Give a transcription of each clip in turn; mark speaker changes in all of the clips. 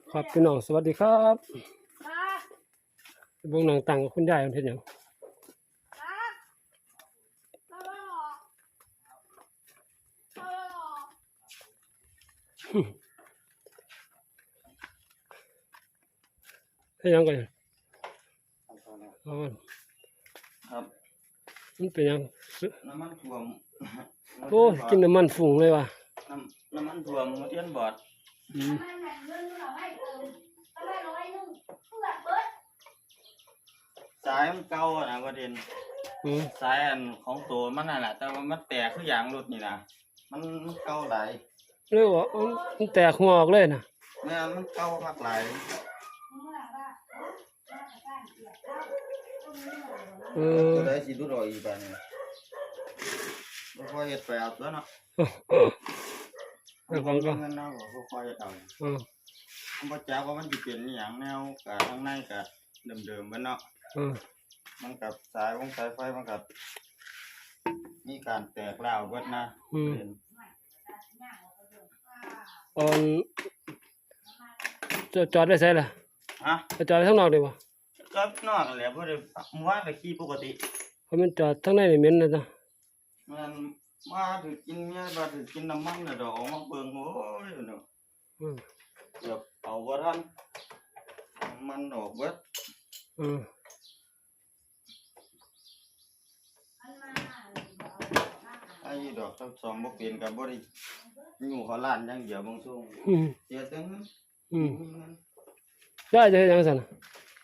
Speaker 1: ครับพี่น้องสวัสดีครับ
Speaker 2: ครับ
Speaker 1: เบิ่งหนังตังกับคุณยายมันเฮ็ดหยัง
Speaker 2: ครับเราไม่หรอกเราไม่หรอก
Speaker 1: เฮ็ดหยังกันอ๋อ
Speaker 3: ครับ
Speaker 1: มันเป็นหยัง
Speaker 3: น้ำมันท่วม
Speaker 1: โอ้ยกินน้ำมันฝุ่งเลยว่ะ
Speaker 3: น้ำมันท่วมหัวเทียนบอด
Speaker 1: อืม
Speaker 2: ทำไมแบ่งเงินเราให้เติมทำไม100เพื่อเบิด
Speaker 3: สายมันเก่าอะนะประเด็น
Speaker 1: อืม
Speaker 3: สายอันของตัวมันนั่นแหละแต่ว่ามันแตกคืออย่างรถนี่นะมันเก่าหลาย
Speaker 1: เรียกว่ามันแตกหัวออกเลยน่ะ
Speaker 3: แม่นมันเก่าคักหลาย
Speaker 2: เมื่อว่าน่าจะได้เกียรติเท่าต้องมีหน่อยนะ
Speaker 1: เออ
Speaker 3: ตัวใดสิดูรออีกบาดนี้บ่ค่อยเฮ็ดไปเอาตัวเนาะ
Speaker 1: เออฟังก็
Speaker 3: เงินเนาะบ่ค่อยเฮ็ดเอา
Speaker 1: เออ
Speaker 3: มันบ่จักว่ามันสิเป็นอีหยังแนวกะข้างในกะเดิมๆเบิดเนาะ
Speaker 1: เออ
Speaker 3: มันกับสายวงสายไฟมันกับมีการแตกร้าวเบิดนะ
Speaker 1: อืม
Speaker 3: เป็น
Speaker 1: ตอนจอดไว้ไสล่ะ
Speaker 3: ฮะ
Speaker 1: จะจอดไว้ข้างนอกดีบ่
Speaker 3: ก็นอกนั่นแหละเพราะเดี๋ยวเมื่อวานก็ขี่ปกติ
Speaker 1: เพราะมันจอดข้างในนี่เหม็นเลยนะ
Speaker 3: มันมาถือกินเมียมาถือกินน้ำมันน่ะดอกออกมาเบิ่งโอ้ยเนาะ
Speaker 1: อืม
Speaker 3: เกือบเอาบ่ทันน้ำมันออกเบิด
Speaker 1: อืม
Speaker 3: ไอ้ดอกทั้งสองบ่เป็นก็บ่ได้อยู่เขาล้านอย่างเดียวบางช่วง
Speaker 1: อืม
Speaker 3: เสียแต่เงิน
Speaker 1: อืม
Speaker 3: มีเงิน
Speaker 1: ได้จะเฮ็ดหยังซั่นน่ะ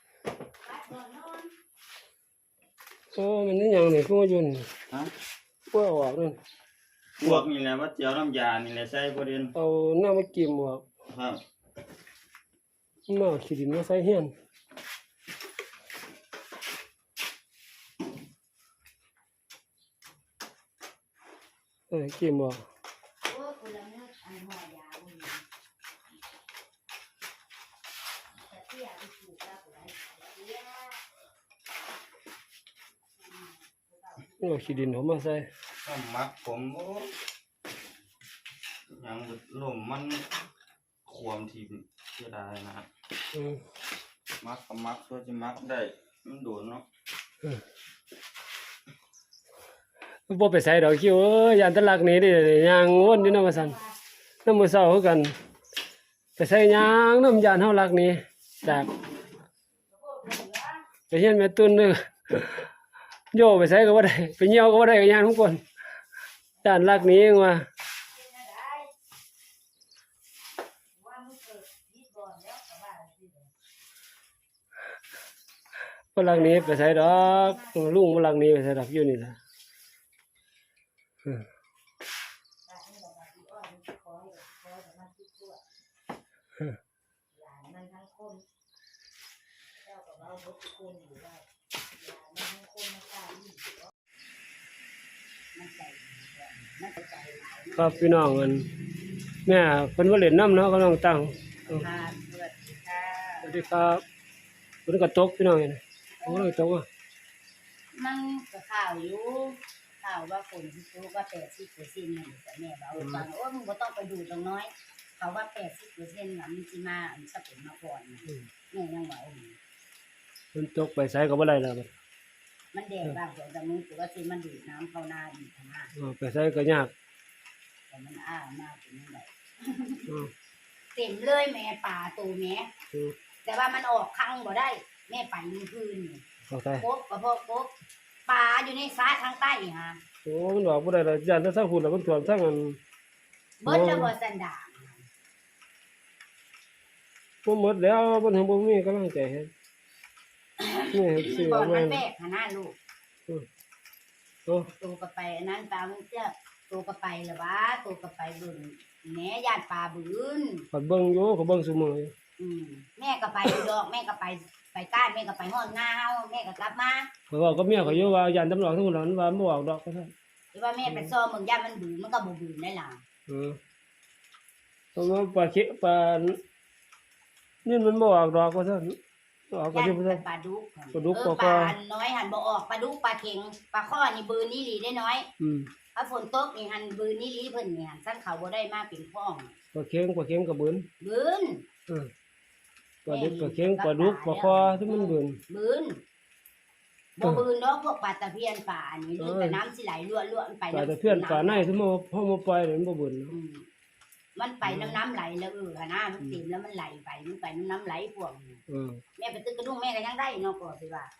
Speaker 1: โอ้มันนี่หยังนี่คือว่าอยู่นี่
Speaker 3: ฮะ
Speaker 1: บ่เอาออกนั่น
Speaker 3: พวกนี่แหละว่าเจียวน้ำยานี่แหละใส่บ่เด่น
Speaker 1: เอาน้ำมาจิ้มออก
Speaker 3: ครับ
Speaker 1: มาเอาขี้ดินมาใส่เฮียนจิ้มออก
Speaker 2: โอ้คนละเนื้ออันหัวยาวนี่แต่ที่อยากไปถูกแล้วก็ได้เสีย
Speaker 1: เอาขี้ดินเขามาใส่
Speaker 3: น้ำมักผมโอ้ยหยังลมมันความทีมเสียดายนะ
Speaker 1: อืม
Speaker 3: มักก็มักตัวจะมักได้มันโดนเนาะ
Speaker 1: บ่ไปใส่ดอกคิวเอ้ยยานตะลักหนี้ดิย่างวนอยู่นำว่าซั่นนำมื้อเช้าคือกันไปใส่ย่างนำยานเฮาลักหนี้จากไปเฮียนแม่ตุนเด้อโยไปใส่ก็บ่ได้ไปเหี่ยวก็บ่ได้ก็ย่านทุกคนย่านลักหนี้เองว่า
Speaker 2: ว่ามันเกิดที่ก่อนแล้วแต่ว่าที่เดิม
Speaker 1: บ่ลักหนี้ไปใส่ดอกลุงบ่ลักหนี้ไปใส่ดอกอยู่นี่ล่ะ
Speaker 2: แต่ให้เราแบบที่อ้อยมันคอยแต่มันที่ตัวหลานมันทั้งคนเจ้ากับเราบดทุกคนอยู่ได้หลานมันทั้งคนมันกล้าอยู่มันใจมันใจหลาย
Speaker 1: ครับพี่น้องกันแม่เพิ่นบ่เล่นน้ำเนาะกำลังตั้ง
Speaker 2: ค่ะสวัสดีค่ะ
Speaker 1: สวัสดีครับเพิ่นก็ตกพี่น้องนี่โอ้ยตกอ่ะ
Speaker 2: มันก็ข่าวอยู่ข่าวว่าฝนที่รู้ว่า80%นั่นแต่แม่บอกฟังโอ้มึงก็ต้องไปดูตรงน้อย เขาว่า80%น่ะมันสิมาอันสะเป็นมาก่อนแม่ยังบอก
Speaker 1: เพิ่นตกไปไสก็บ่ได้แล้วบัด
Speaker 2: มันแดดบ้างส่วนแต่มึงตัวที่มันดูดน้ำเข้าหน้าอีกนะ
Speaker 1: ไปไสก็ยาก
Speaker 2: แต่มันอ้ามากเป็นยังไง
Speaker 1: อือ
Speaker 2: เต็มเลยแม่ป่าตัวแม่
Speaker 1: อือ
Speaker 2: แต่ว่ามันออกคังบ่ได้ แม่ไปมื้อคืนนี่
Speaker 1: เข้าใจ
Speaker 2: กบก็พวกกบป่าอยู่ในซ้ายทางใต้ฮะ
Speaker 1: โอ้มันบอกบ่ได้แล้วย่านแต่ทางพุ่นแล้วมันท่วมทางอัน
Speaker 2: เบิดแล้วบ่สันดาน
Speaker 1: บ่หมดแล้วมันถึงบ่มีกำลังใจเฮ็ดนี่ซื้อ
Speaker 2: บ่
Speaker 1: มา
Speaker 2: มันแปลกหน้าลูก
Speaker 1: โอ้
Speaker 2: ตัวก็ไปอันนั้นตามเจ้าตัวก็ไปละวะตัวก็ไปเบิ่งแหน่ย่านป่าบืน
Speaker 1: ก็เบิ่งอยู่ก็เบิ่งซุมื้ออยู่
Speaker 2: แม่ก็ไปอยู่ดอกแม่ก็ไปก้านแม่ก็ไปฮอดนาเฮาแม่ก็กลับมา
Speaker 1: เขาบอกกับเมียเขาอยู่ว่าย่านตำรวจทั้งหมดนั้นว่าบ่ออกดอกก็ซั่น
Speaker 2: หรือว่าแม่ไปซ้อมเมืองย่านมันบืนมันก็บ่บืนได้ล่ะ
Speaker 1: เพราะว่าปลาเค็ปลานี่มันบ่ออกดอกว่าซั่นออกก็
Speaker 2: ย่าน
Speaker 1: สิบ่
Speaker 2: เป็
Speaker 1: ซั่น
Speaker 2: นปลาดุก
Speaker 1: ปลาดุก
Speaker 2: ป
Speaker 1: ปลา
Speaker 2: ลา
Speaker 1: ข้อ
Speaker 2: อันน้อยหันบ่ออกปลาดุกปลาเข็งปลาข้อนี่บืนนี่หลีได้น้อย
Speaker 1: อืม
Speaker 2: ถ้าฝนตกนี่หันบืนนี่หลีเพิ่นนี่หันซั่นเขาบ่ได้มาเป็นพ้อง
Speaker 1: ปลาเค็งก็เบิ่น
Speaker 2: บืน
Speaker 1: เออปลาดุกปลาเค็งปลาดุกปลาคอที่มันบืน
Speaker 2: บืนบ่บืนเนาะพวกปลาตะเพียนปลาอันนี้แต่น้ำสิไหลรั่วๆไป
Speaker 1: ปลาตะเพียนปลาในที่มันพอมาปล่อยนี่มันบ่บืนเนาะ
Speaker 2: มันไปน้ำไหลแล้วค่ะนะมันติ่มแล้วมันไหลไปมันไปน้ำไหลพวกนี้ แม่ไปตึกกระดุ้งแม่ก็ยังได้เนาะก็สิว่า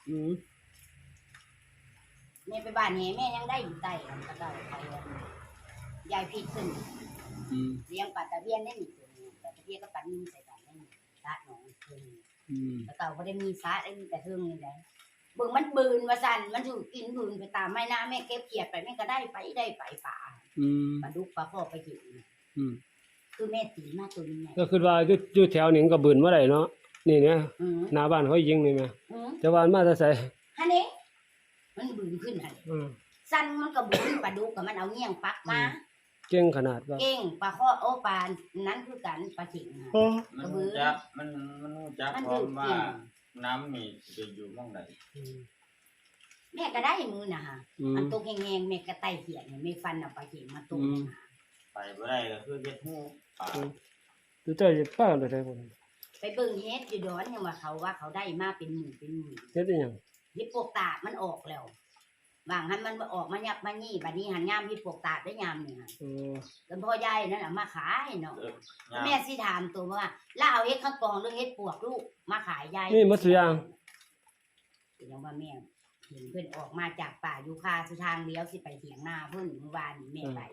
Speaker 2: แม่ไปบ้านแห่แม่ยังได้อยู่ใต้อันก็ได้ไปยายพี่ขึ้นเลี้ยงปลาตะเพียนได้หนึ่งตัวปลาตะเพียนก็ปันนิ่มใส่กันได้สาหนองขึ้นแล้วก็บ่ได้มีสาได้มีแต่เทิงนี่แหละเบิ่งมันบืนว่าสั่นมันอยู่กินบืนไปตามไม้น้าแม่เก็บเขียดไปแม่ก็ได้ไปป่าปลาดุกปลาพ่อไปกินคือแม่ตีมาตัวนี้ไง
Speaker 1: ก็คือว่าอยู่แถวนี้ก็บืนบ่ได้เนาะนี่เนี่ยหน้าบ้านเขายิงนี่แม่แต่ว่ามาแต่ไส
Speaker 2: หั่นเด้มันบืนขึ้นหั่นสั่นมันก็บืนปลาดุกก็มันเอาเงี้ยงปักมา
Speaker 1: เก่งขนาดว่า
Speaker 2: เก่งปลาข้อโอปลานั้นคือกันปลาเข็ง
Speaker 3: มันรู้จักมันรู้จักพร้อมว่าน้ำมีจะอยู่หม้องใด
Speaker 2: แม่ก็ได้มือน่ะฮะอันตกแห้งๆแม่ก็ไต่เขียนแม่ฟันเอาปลาเข็งมาตุ่ม
Speaker 3: ไปบ่ได้ก็คือเฮ็ดฮู้ป่า
Speaker 1: ดูเจ้าจะป้าเลยได้บ่
Speaker 2: ไปเบิ่งเฮ็ดอยู่ดอนยังว่าเขาได้มาเป็นหมื่น
Speaker 1: เฮ็ดอีหยัง
Speaker 2: เฮ็ดปวกตามันออกแล้วบางหันมันออกมายับมานี่บัดนี้หันยามเฮ็ดปวกตาได้ยามนี่ฮะกันพ่อยายนั่นน่ะมาขายเนาะแม่สิถามตัวว่าแล้วเอาเฮ็ดข้างกองหรือเฮ็ดปวกลูกมาขายยาย
Speaker 1: นี่หมดทุกอย่าง
Speaker 2: ยังว่าแม่เห็นเพิ่นออกมาจากป่ายูคาสิทางเลี้ยวสิไปเถียงนาเพิ่นเมื่อวานนี้แม่ไป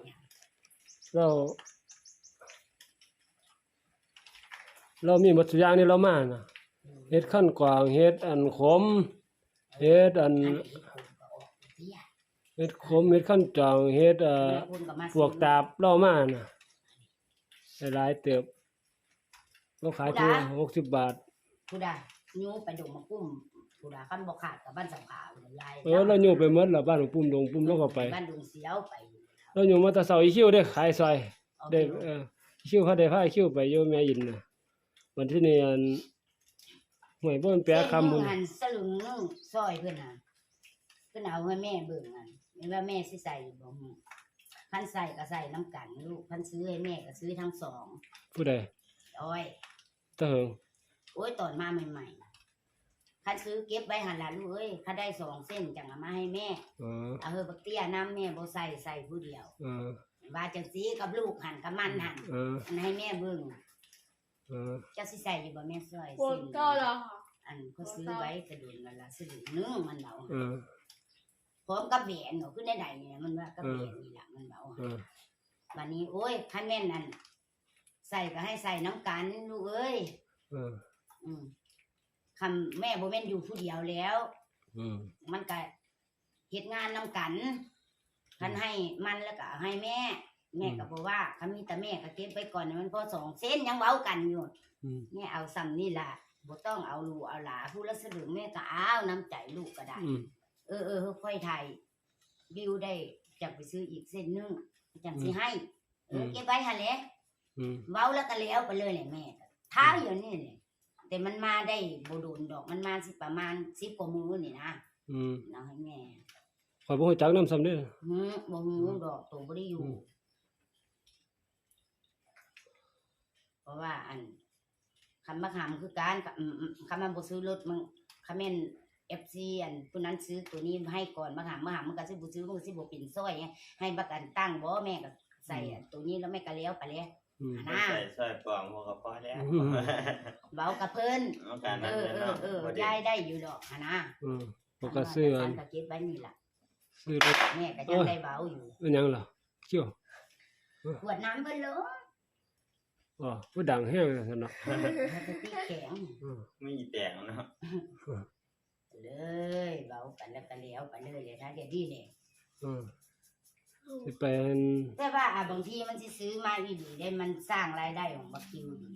Speaker 1: เรามีหมดทุกอย่างนี่เรามาน่ะเฮ็ดขั้นกวางเฮ็ดอันขมเฮ็ดอันเฮ็ดขมเฮ็ดขั้นจางเฮ็ดพวกตาบเรามาน่ะหลายเติบเราขายตัว60 บาท
Speaker 2: ผู้ใดยูไปดงมากุ้มผู้ใดคันบ่ขาดกับบ้านสังขารยาย
Speaker 1: เราอยู่ไปหมดแล้วบ้านของปุ่มดงปุ่มแล้วก็ไป
Speaker 2: บ้านดงเสียวไป
Speaker 1: เราอยู่มาแต่เช้าอีคิวได้ขายซอยได้คิวเขาได้พาคิวไปอยู่แม่ยินน่ะวันที่นี่อันหวยบ่มันแปลคำพุ่น
Speaker 2: หันสลึงนึงซอยเพิ่นน่ะเพิ่นเอาให้แม่เบิ่งอันแม่ว่าแม่สิใส่บ่ฮู้คันใส่ก็ใส่น้ำกันลูกคันซื้อให้แม่ก็ซื้อทั้งสอง
Speaker 1: ผู้ใด
Speaker 2: อ้อย
Speaker 1: ตะเหิง
Speaker 2: โอ้ยตอนมาใหม่ๆคันซื้อเก็บไว้หั่นล่ะลูกเอ้ยคันได้2เส้นจังเอามาให้แม่เอาเฮอบักเตี้ยน้ำแม่บ่ใส่ผู้เดียวว่าจังซี่กับลูกหั่นกับมันหั่นอันให้แม่เบิ่งเจ้าสิใส่อยู่บ่แม่ซอยสิ
Speaker 4: ก็แล้ว
Speaker 2: อันเขาซื้อไว้กระดุนนั่นล่ะซื้อนึงมันเอาพร้อมกับแหวนเนาะคือได้เนี่ยมันว่ากับแหวนนี่ล่ะมันเอาบัดนี้โอ้ยคันแม่นนั่นใส่ก็ให้ใส่น้ำกันลูกเอ้ยคำแม่บ่แม่นอยู่ผู้เดียวแล้วมันก็เฮ็ดงานน้ำกันคันให้มันแล้วก็ให้แม่ก็บอกว่าคันมีแต่แม่ก็เก็บไว้ก่อนมันพอ2เส้นยังเว้ากันอยู่แม่เอาซ้ำนี่ล่ะบ่ต้องเอาลูกเอาหลาผู้ละสลึงแม่ก็เอาน้ำใจลูกก็ได้ค่อยไทยวิวได้จังไปซื้ออีกเส้นนึงจังสิให้เก็บไว้หั่นแหละเว้าแล้วก็แล้วไปเลยแหละแม่ท้าอยู่นี่แหละแต่มันมาได้บ่โดนดอกมันมาสิประมาณ10กว่ามื้อนี่นะเอาให้แม่
Speaker 1: ข่อยบ่ฮู้จักนำซ้ำเด้อ
Speaker 2: บ่ฮู้ดอกโตบ่ได้อยู่เพราะว่าอันคำมะขามคือการคำมันบ่ซื้อรถมันคำแม่น FC อันผู้นั้นซื้อตัวนี้ให้ก่อนมะขามมันก็สิบ่ซื้อมันก็สิบ่เป็นซอยไงให้ประกันตั้งบ่แม่ก็ใส่ตัวนี้แล้วแม่ก็แล้วไปแล้ว
Speaker 3: นะใส่ปองก็พอแล้ว
Speaker 2: เว้ากับเพิ่นยายได้อยู่ดอกนะ
Speaker 1: บ่ก็ซื้ออัน
Speaker 2: ก็เก็บไว้นี่ล่ะ
Speaker 1: ซื้อรถ
Speaker 2: แม่ก็ยังได้เว้าอยู่
Speaker 1: เป็นหยังล่ะเกี่ยว
Speaker 2: ขวดน้ำเพิ่นเลย
Speaker 1: ผู้ดังแห้งซั่นเนาะ
Speaker 2: ตีแข็ง
Speaker 3: ไม่แตกเนาะ
Speaker 2: เลยเว้ากันแล้วก็แล้วไปเลยถ้าเดี๋ยวนี้แหละ
Speaker 1: สิเป็น
Speaker 2: แต่ว่าบางทีมันสิซื้อมาอีหลีได้มันสร้างรายได้ของบักคิวดี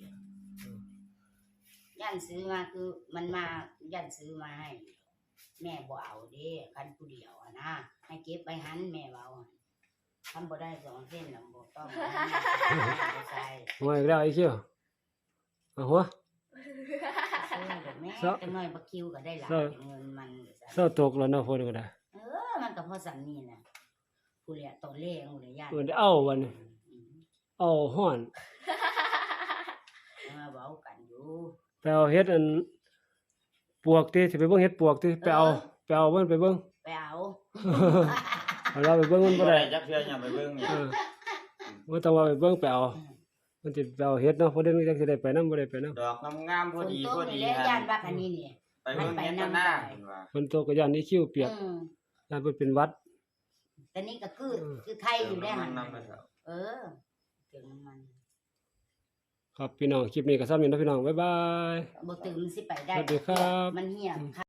Speaker 2: ย่านซื้อมาคือมันมาย่านซื้อมาให้แม่บ่เอาเด้คันผู้เดียวนะให้เก็บไว้หันแม่เว้าทำบ่ได้2เส้นน่ะบ่ต้องใส่
Speaker 1: หัวอีกแล้วไอ้เขี้ยวหัว
Speaker 2: แม่จังน้อยบักคิวก็ได้หลายเงินมัน
Speaker 1: เซาตกแล้วเนาะพุ่นก็ได้
Speaker 2: มันก็พอสั่นนี่น่ะผู้เลี้ยตัวเลขผู้เลี้ยญาติ
Speaker 1: เอาวันนี้เอาฮ้อน
Speaker 2: มาเว้ากันอยู่
Speaker 1: ไปเอาเฮ็ดอันปวกติสิไปเบิ่งเฮ็ดปวกติไปเอามันไปเบิ่ง
Speaker 2: ไปเอา
Speaker 1: เอาเราไปเบิ่งมันบ่
Speaker 3: บ่
Speaker 1: ได้
Speaker 3: ได้จักเทื่อหยังไปเบิ่งเนี่ย
Speaker 1: บ่ต้องว่าไปเบิ่งไปเอามันสิไปเอาเฮ็ดเนาะเพราะเดี๋ยวนี้จักสิได้ไปนำบ่ได้ไปนำ
Speaker 3: ดอกงามๆพ
Speaker 2: ฝ
Speaker 3: อน ดี
Speaker 2: ต
Speaker 3: พ
Speaker 2: ก
Speaker 3: อ
Speaker 2: นี่
Speaker 3: ดี
Speaker 2: แหละย่านบักอันนี้นี่
Speaker 3: ไปเบิ่งเฮ็ดกันหน้าเห็นว่า
Speaker 1: ฝนตกก็ย่านนี้คิ้วเปียก
Speaker 2: อืม
Speaker 1: ย่านเพิ่นเป็นหวัด
Speaker 2: แต่นี่ก็คือไข่อยู่ได้หั่น
Speaker 3: นำไปเถอะ
Speaker 2: เออถึงมัน
Speaker 1: ครับพี่น้องคลิปนี้ก็ซ้ำนี้เนาะพี่น้องบ๊ายบาย
Speaker 2: บ่ถึงมันสิไปได้
Speaker 1: สวัสดีครับ
Speaker 2: มันเหี่ย